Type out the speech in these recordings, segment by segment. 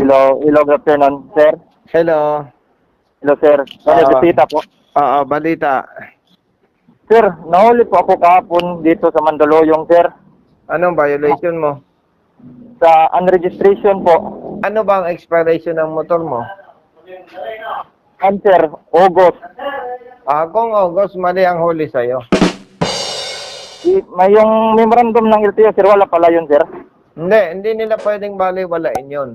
Hello, good afternoon, sir. Hello. Hello, sir. Bisita po. Oo, balita. Sir, nahuli po ako kahapon dito sa Mandaluyong, sir. Anong violation mo? Sa unregistration po. Ano ba ang expiration ng motor mo? Sir, August. Kung August, mali ang huli sa'yo. May yung memorandum ng LTO, sir, wala pala yun, sir. Hindi nila pwedeng baliwalain yun.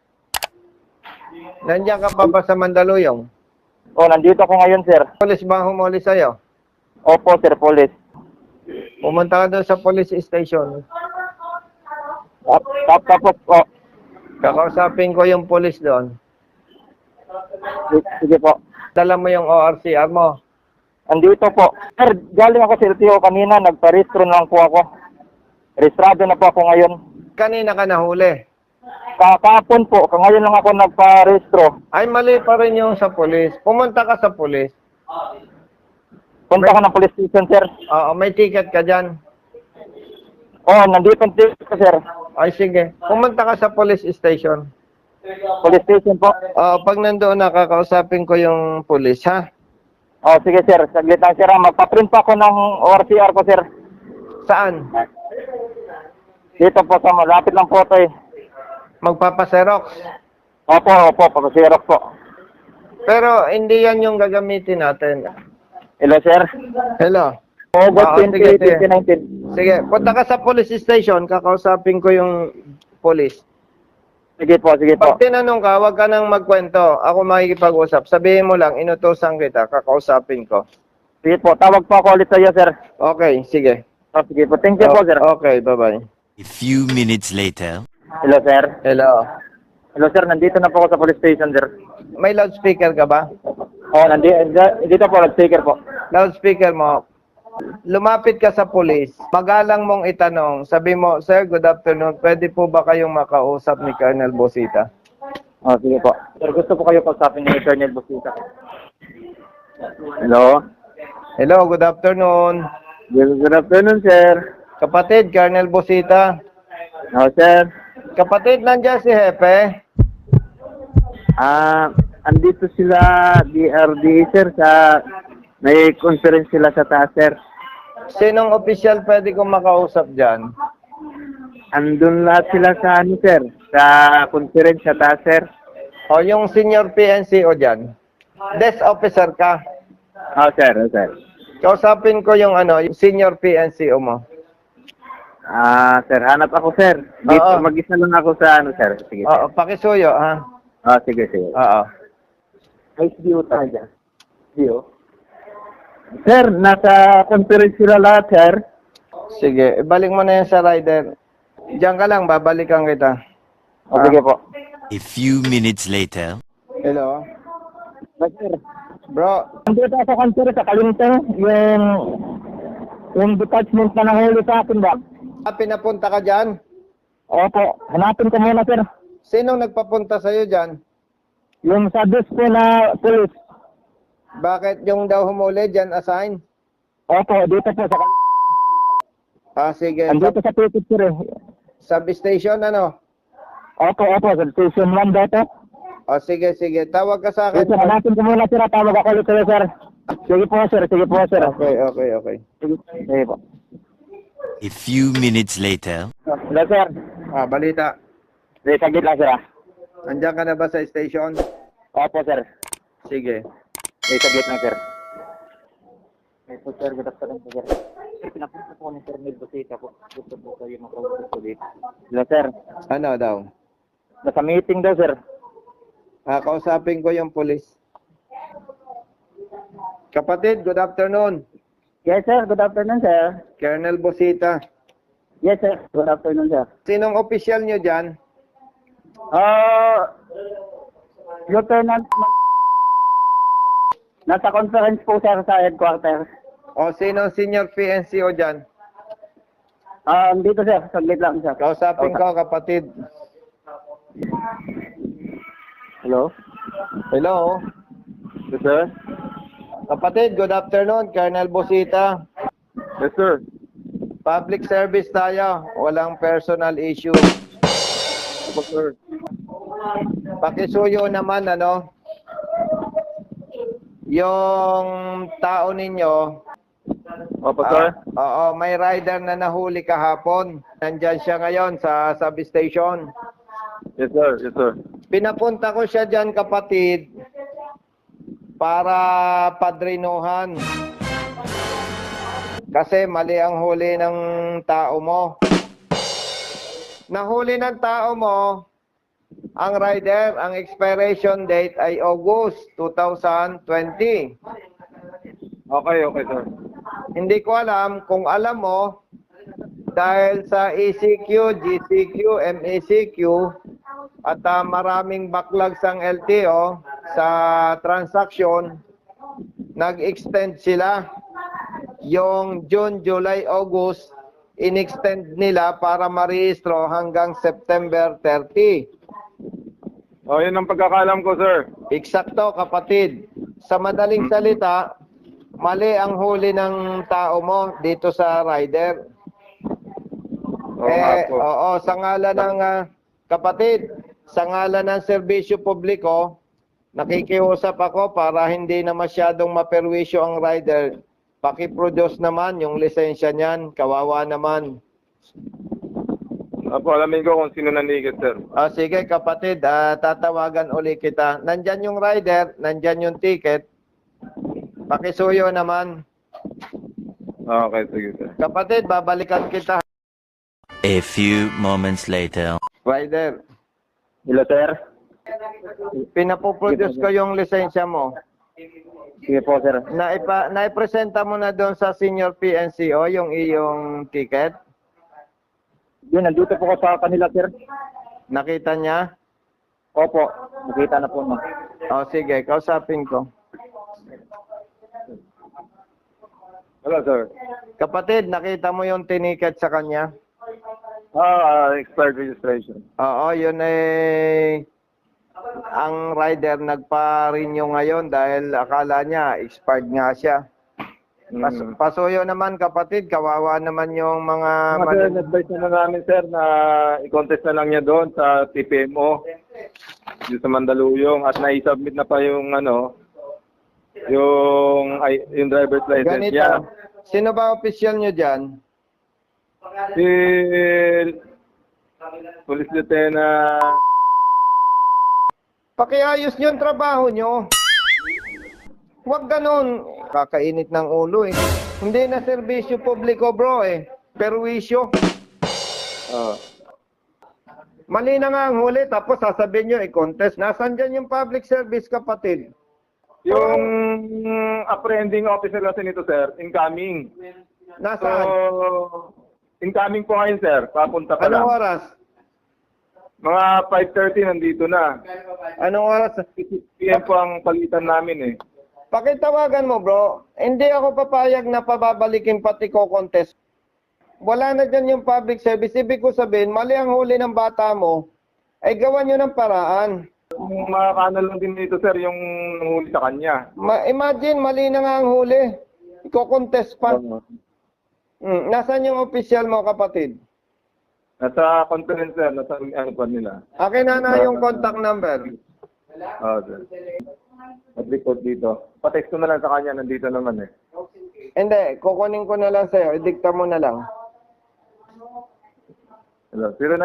Nandiyan ka pa ba sa Mandaluyong? Nandito ako ngayon, sir. Police ba ang humuli sa'yo? Opo, sir, police. Pumunta ka doon sa police station. Tapos po. Kakausapin ko yung police doon. Sige po. Dala mo yung ORCR mo. Andito po. Sir, galing ako sa LTO kanina, nagparehistro lang po ako. Rehistrado na po ako ngayon. Kanina ka nahuli. Kahapon po, ngayon lang ako nagparehistro. Ay, mali pa rin yung sa police. Pumunta ka sa police. Punta ka ng police station, sir. Oo, may ticket ka dyan. Nandito ang ticket ko, sir. Ay, sige. Pumunta ka sa police station. Police station po. Pag nandoon na, kakausapin ko yung police, ha? Sige, sir. Saglit lang, sir. Magpa-print pa ako ng ORCR ko, sir. Saan? Dito po sa malapit lang po ito, eh. Magpapaserox. Opo, pag-xerox po. Pero hindi yan yung gagamitin natin. Hello, sir. Hello. August 20, sige. 2019. Sige, punta ka sa police station, kakausapin ko yung police. Sige po. Pag tinanong ka, huwag ka nang magkwento. Ako makikipag-usap. Sabihin mo lang, inutusan kita, kakausapin ko. Sige po. Tawag po ako ulit sa iyo, sir. Okay, sige. Sige po. Thank you po, sir. Okay, bye-bye. A few minutes later. Hello, sir. Hello. Hello, sir. Nandito na po ako sa police station, sir. May loudspeaker ka ba? Dito po, nag-speaker po. Loudspeaker mo. Lumapit ka sa police. Magalang mong itanong. Sabi mo, Sir, good afternoon. Pwede po ba kayong makausap ni Colonel Bosita? Sige po. Sir, gusto po kayo kausapin ni Colonel Bosita. Hello. Hello, good afternoon. Good afternoon, sir. Kapatid, Colonel Bosita. Sir. Kapatid, nandiyan si Hepe. Andito sila DRD, sir, may conference sila sa taas, sir. Sinong official pwede kong makausap dyan? Andun lahat sila sa sir, sa conference sa taas, sir. O yung senior PNCO dyan? Desk officer ka. Sir. Kausapin ko yung yung senior PNCO mo. Sir, hanap ako, sir. Dito, Oo. mag-isa lang ako sa sir. Sige, sir. Oo, pakisuyo, ha? Sige. Oo. HDO tayo dyan. HDO? Sir, nasa conference sila lahat, sir. Sige, ibalik mo na yan sa rider. Diyan ka lang, babalikan kita. Sige po. A few minutes later. Hello? Sir, Bro, andito ako sa conference sa Kalintang, yung detachment na nahuli sa akin ba? pinapunta ka dyan? Opo, hanapin ko muna, sir. Sinong nagpapunta sa'yo dyan? Yung sa desk po na police. Bakit yung daw humuli dyan assign? Opo, dito po sa Sige. andito sa ticket, sir. Substation, ano? Opo, sa station 1 dito. Sige. Tawag ka sa Sir, akin. hanapin ko muna, sir. Tawag ako ulit sa'yo, sir. Sige po, sir. Okay. Sige po. A few minutes later. Hello, sir. Balita. Sige, saglit lang, sir. Andiyan ka na ba sa station? Opo, sir. Sige. Sige, saglit lang, sir. Ito, sir. Good afternoon, sir. Sir, pinapunta po ni Sir Ned Bosita po. Gusto po kayo makausap po dito. Hello, sir. Ano daw? Nasa meeting daw, sir. Kausapin ko yung police. Kapatid, good afternoon. Yes, sir. Good afternoon, sir. Colonel Bosita. Yes, sir. Good afternoon, sir. Sinong official nyo dyan? Lieutenant, nasa conference po, sir, sa headquarters. O sinong senior PNCO dyan? Dito, sir. Saglit lang, sir. Kausapin ko, kapatid. Hello? Hello? Yes, sir. Kapatid, good afternoon. Colonel Bosita. Yes, sir. Public service tayo. Walang personal issue. Yes, sir. Pakisuyo naman, ano, yung tao ninyo. Opo, sir. Oo, may rider na nahuli kahapon. Nandyan siya ngayon sa substation. Yes, sir. Yes, sir. Pinapunta ko siya dyan, kapatid, para padrinuhan. Kasi mali ang huli ng tao mo. Nahuli ng tao mo, ang rider, ang expiration date ay August 2020. Okay, okay, sir. Hindi ko alam kung alam mo, dahil sa ECQ, GCQ, MECQ, at maraming backlogs ang LTO sa transaction, nag-extend sila. Yung June, July, August, in-extend nila para marehistro hanggang September 30. Oh, yun ang pagkakalam ko, sir. Eksakto, kapatid. Sa madaling salita, mali ang huli ng tao mo dito sa rider. Oo nga po. Oo, sa ngalan ng kapatid, sa ngalan ng serbisyo publiko, nakikiusap ako para hindi na masyadong maperwisyo ang rider. Paki-produce naman yung lisensya niyan, kawawa naman. Opo, alamin ko kung sino nanigit, sir. Sige kapatid, tatawagan uli kita. Nandyan yung rider, nandyan yung ticket. Pakisuyo naman. Okay, sige, sir. Kapatid, babalikan kita. A few moments later. Rider, Hello, sir. pinapoproduce ko yung lisensya mo. Sige po, sir. Naipresenta mo na doon sa senior PNCO yung iyong ticket? Yun, nandito po ko sa kanila, sir. Nakita niya? Opo, nakita na po, no. Sige, kausapin ko. Hello, sir. Kapatid, nakita mo yung tiniket sa kanya? Expired registration. Oo, yun ang rider nagpa-renew ngayon dahil akala niya expired nga siya. Pasuyo naman kapatid, kawawa naman yung mga... Sir, advice na namin, sir, na i-contest na lang niya doon sa TPMO, yung sa Mandaluyong, at na-submit na pa yung, yung driver's license Ganito, niya. sino ba official nyo dyan? Si Police Lieutenant... Pakiayos nyo ang trabaho nyo. Huwag ganun. Kakainit ng ulo eh. Hindi na serbisyo publiko bro eh. Perwisyo. Mali na nga ang huli tapos sasabihin nyo i-contest. Nasaan dyan yung public service kapatid? Yung apprehending officer kasi nito, sir, incoming. Nasaan? So, incoming po ngayon, sir. Papunta pa lang. Anong oras? Mga 5:30 nandito na. Anong oras? 6 PM po ang palitan namin eh. Pakitawagan mo bro. Hindi ako papayag na pababalikin pati ko contest. Wala na dyan yung public service. Ibig ko sabihin, mali ang huli ng bata mo, ay gawan nyo ng paraan. Makakano lang din dito, sir, yung nanghuli sa kanya. Imagine, mali na nga ang huli. Iko-contest pa. Nasaan yung official mo, kapatid? Nasa conference, sir. Nasa ano pa nila. Akin na yung contact number. Sir. At-report dito. Pa-text ko na lang sa kanya. Nandito naman eh. Hindi, kukunin ko na lang sa'yo. Idikta mo na lang. Hello. 091.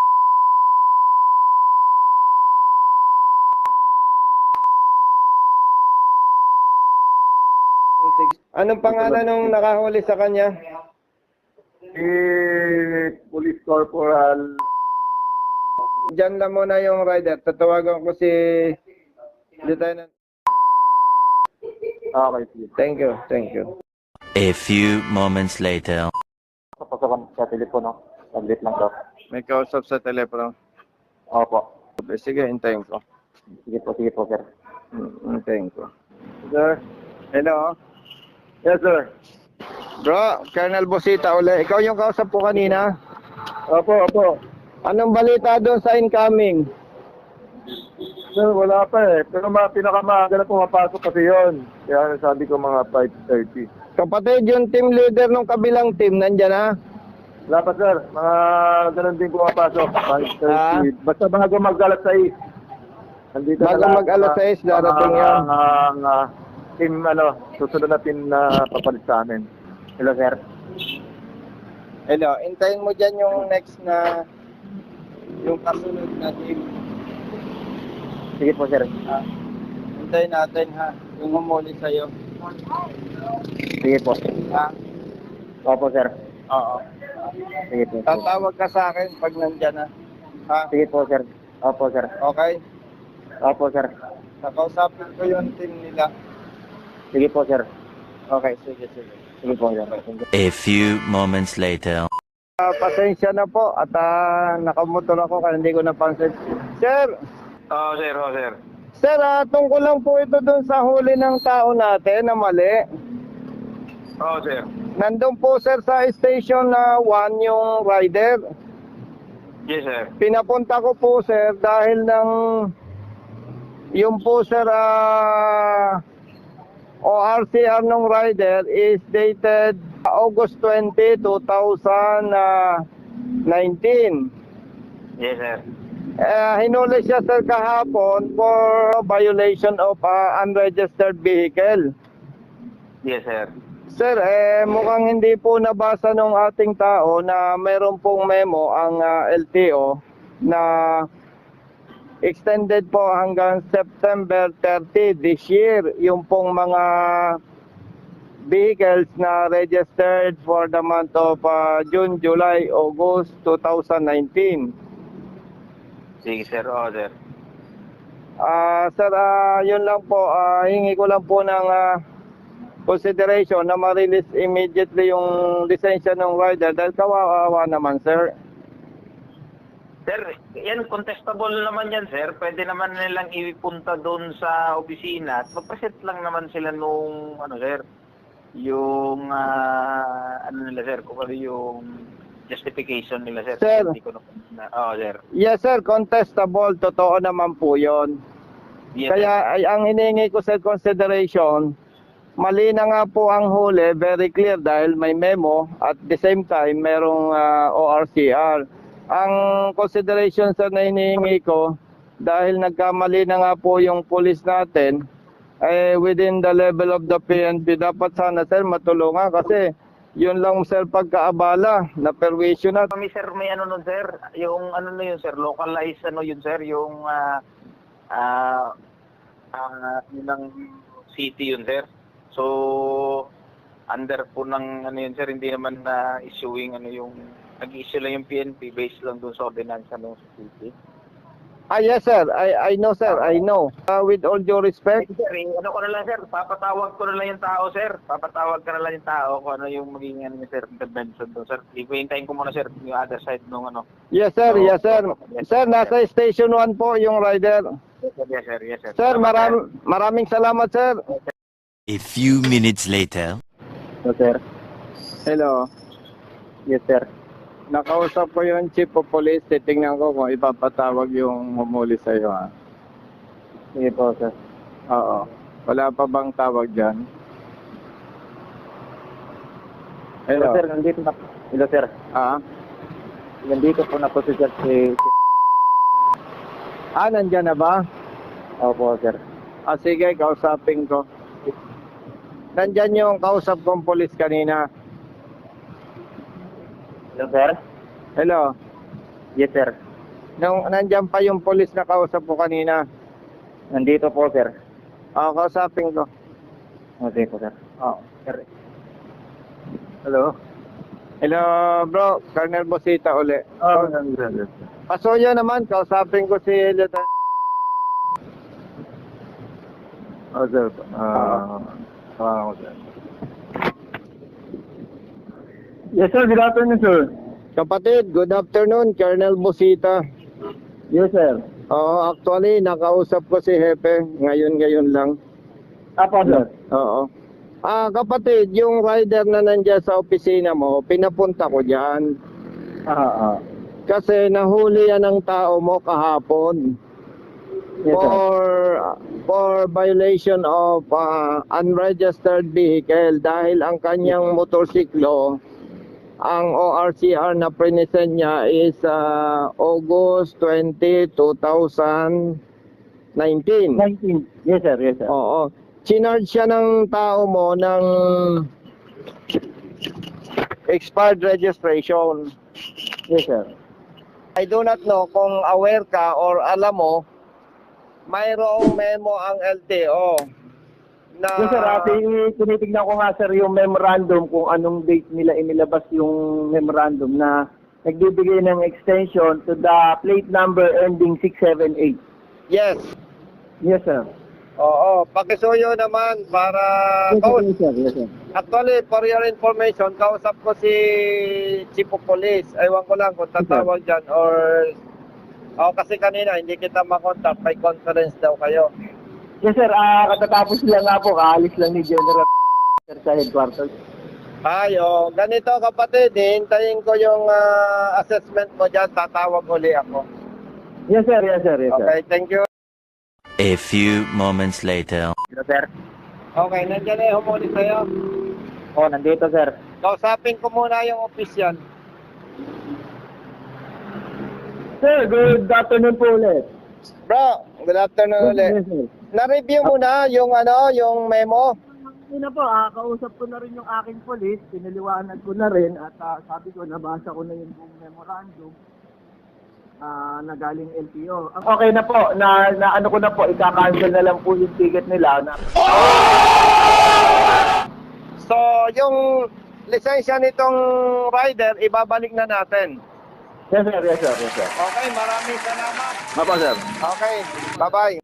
Anong pangalan nung nakahuli sa kanya? Si Police Corporal. Diyan lang muna yung rider. Tatawagan ko si Lieutenant. Okay, sige. Thank you, thank you. A few moments later. Papasakan sa telepono. Saglit lang daw. May kausap sa telepono. Opo. Sige, hintayin ko. Sige po, sir. Hintayin ko. Sir. Hello? Yes, sir. Bro, Colonel Bosita uli. Ikaw yung kausap ko kanina. Opo, opo. Anong balita doon sa incoming? Sir, wala pa eh. Pero pinakamaaga na pumapasok kasi yun. Kaya sabi ko mga 5:30. Kapatid, yung team leader ng kabilang team, nandyan na? Wala pa, sir. Mga ganun din pumapasok. 5:30. Basta bago mag-alas 6. Nandito Bago na lang, mag-alas 6, darating yan. Team, susunod na team na papalit sa amin. Hello, sir. Hello, hintayin mo dyan yung next na, yung kasunod na team. Sige po, sir. Hintayin natin ha, yung humuli sa'yo. Sige po. Ha? Opo, sir. Oo. Sige po. Tatawag ka sa akin pag nandyan na. Ha? Sige po, sir. Opo, sir. Okay? Opo, sir. Nakausapin ko yung team nila. Sige po, sir. Okay, sige. Sige po, sir. A few moments later. Pasensya na po at nakamotor ako kaya hindi ko napansin. Sir! Oo, sir. Sir, tungkol lang po ito dun sa huli ng tao natin na mali. Oo, sir. Nandun po sir sa station na 1 yung rider. Yes, sir. Pinapunta ko po sir dahil ng yung po sir ORCR ng rider is dated August 20, 2019. Yes, sir. Hinuli siya sir kahapon for violation of unregistered vehicle. Yes, sir. Sir, mukhang hindi po nabasa nung ating tao na meron pong memo ang LTO na extended po hanggang September 30 this year yung pong mga vehicles na registered for the month of June, July, August 2019. Sige, sir. Oo, sir. Sir, yun lang po, hingi ko lang po ng consideration na ma-release immediately yung lisensya ng rider dahil kawawa naman, sir. Sir, yan contestable naman yan, sir. Pwede naman nilang ipunta doon sa opisina at magpresent lang naman sila nung, sir, yung, nila, sir, kung ano yung justification nila, sir. Sir. Hindi ko sir. Yes, sir, contestable. Totoo naman po yun. Yes, Kaya ay, ang hinihingi ko sa consideration, mali na nga po ang huli, very clear dahil may memo at the same time merong ORCR. Ang consideration sir na hinihingi ko, dahil nagkamali na nga po yung police natin, within the level of the PNP, dapat sana sir matulungan kasi yun lang sir pagkaabala na perwisyo na. Kami, sir, may nun, sir. Yung na yun, sir, localized yun, sir, yung ng city yun, sir. So, under po ng yun, sir, hindi naman na issuing yung nag-issue lang yung PNP based lang dun sa ordinansa ng city. Yes sir, I know sir, I know. With all due respect, Sir, ko na lang, sir, papatawag ko na lang yung tao, sir. Papatawag ka na lang yung tao kung ano yung magiging sir, intervention doon, sir. Ipuhintayin ko muna, sir, yung other side nung yes sir, yes sir. Sir, nasa station 1 po yung rider. Yes, sir, yes, sir. Sir, maraming salamat sir. A few minutes later. Hello, sir. Hello. Yes, sir. Nakausap ko yung chief of police, titingnan ko kung ipapatawag yung humuli sa'yo ha. Sige po, sir. Oo. Wala pa bang tawag dyan? Hello, Hello. sir. Nandito na. Hello, sir. Nandito po na po si sir. Nandyan na ba? Opo, sir. Sige, kausapin ko. Nandyan yung kausap kong police kanina. Hello, sir. Hello. Yes, sir. Nandyan pa yung police na kausap ko kanina. Nandito po, sir. Kausapin ko. Okay po, sir. Sir. Hello. Hello, bro. Colonel Bosita uli. Sir. Pasuyo naman, kausapin ko si Lieutenant. Sir. Sir. Yes, sir. Good afternoon, sir. Kapatid, good afternoon, Colonel Bosita. Yes, sir. Actually, nakausap ko si Hepe ngayon lang. Apo, sir. Oo. Kapatid, yung rider na nandiyan sa opisina mo, pinapunta ko diyan. Kasi nahuli yan ng tao mo kahapon. Yes, sir. For violation of unregistered vehicle dahil ang kanyang motorsiklo, ang ORCR na present niya is August 20, 2019. 19. 19. Yes, sir. Yes, sir. Oo. Chinarge siya ng tao mo ng expired registration. Yes, sir. I do not know kung aware ka or alam mo, mayroong memo ang LTO na... Yes, sir. Tinitignan ko nga, sir, yung memorandum kung anong date nila inilabas yung memorandum na nagbibigay ng extension to the plate number ending 678. Yes. Yes, sir. Oo. Pakisuyo naman para... Yes, sir. Yes, sir. Actually, for your information, kausap ko si Chief of Police. Ewan ko lang kung tatawag dyan or... O kasi kanina, hindi kita makontak. May conference daw kayo. Yes, sir. Katatapos lang nga po. Kaalis lang ni General sir, sa headquarters. Ayo, ganito kapatid, hintayin ko yung assessment mo dyan. Tatawag uli ako. Yes, sir. Yes, sir. Yes, sir. Okay, thank you. A few moments later. Hello, sir. Okay, nandiyan na yung humuli sa'yo. Oh, nandito, sir. Kausapin ko muna yung official. Sir, good afternoon po ulit. Bro, good afternoon ulit. Yes, sir. Na-review mo na yung yung memo? Yun na po, kausap ko na rin yung aking police, pinaliwanag ko na rin at sabi ko, nabasa ko na yung buong memorandum na galing LTO. Okay na po, na ano ko na po, ika-cancel na lang po yung ticket nila. So, yung lisensya nitong rider, ibabalik na natin. Yes, sir. Yes, sir. Yes, sir. Okay, maraming salamat. Apo, sir. Okay, bye-bye.